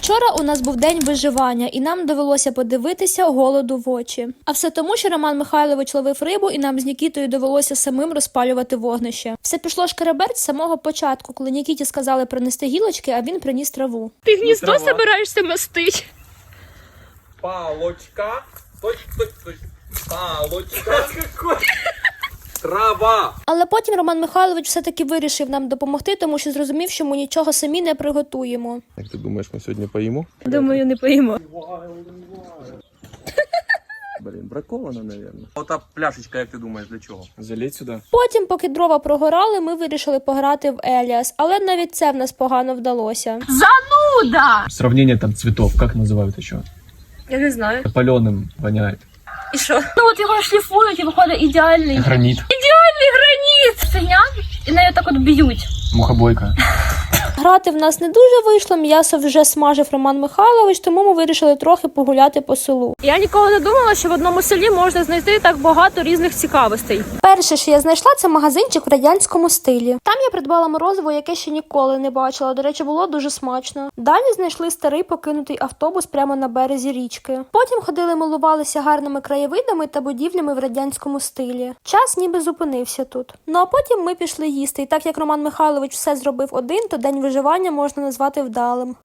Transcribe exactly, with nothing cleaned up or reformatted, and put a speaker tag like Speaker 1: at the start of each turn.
Speaker 1: Вчора у нас був день виживання, і нам довелося подивитися голоду в очі. А все тому, що Роман Михайлович ловив рибу, і нам з Нікітою довелося самим розпалювати вогнище. Все пішло шкереберть з самого початку, коли Нікіті сказали принести гілочки, а він приніс траву.
Speaker 2: Ти гніздо собираєшся мастить?
Speaker 3: Палочка. Стой, стой, стой. Палочка. Трава.
Speaker 1: Але потім Роман Михайлович все-таки вирішив нам допомогти, тому що зрозумів, що ми нічого самі не приготуємо.
Speaker 3: Як ти думаєш, ми сьогодні поїмо?
Speaker 2: Думаю, не поїмо.
Speaker 3: Блін, браковано, мабуть. Ота пляшечка, як ти думаєш, для чого?
Speaker 4: Залезь сюда.
Speaker 1: Потім, поки дрова прогорали, ми вирішили пограти в Еліас, але навіть це в нас погано вдалося.
Speaker 2: Зануда!
Speaker 4: Сравнение там цветов, как называют еще?
Speaker 2: Я не знаю.
Speaker 4: Паленым воняет.
Speaker 2: І що? Ну от його шліфують і виходить ідеальний.
Speaker 4: Гранит.
Speaker 2: Ідеальний граніт! Фігня. І нею так от б'ють.
Speaker 4: Мухобойка.
Speaker 1: Грати в нас не дуже вийшло, м'ясо вже смажив Роман Михайлович, тому ми вирішили трохи погуляти по селу.
Speaker 2: Я ніколи не думала, що в одному селі можна знайти так багато різних цікавостей.
Speaker 1: Перше, що я знайшла, це магазинчик в радянському стилі. Там я придбала морозиво, яке ще ніколи не бачила, до речі, було дуже смачно. Далі знайшли старий покинутий автобус прямо на березі річки. Потім ходили, милувалися гарними краєвидами та будівлями в радянському стилі. Час ніби зупинився тут. Ну а потім ми пішли їсти, і так як Роман Михайлович все зробив один, то день виживання можна назвати вдалим.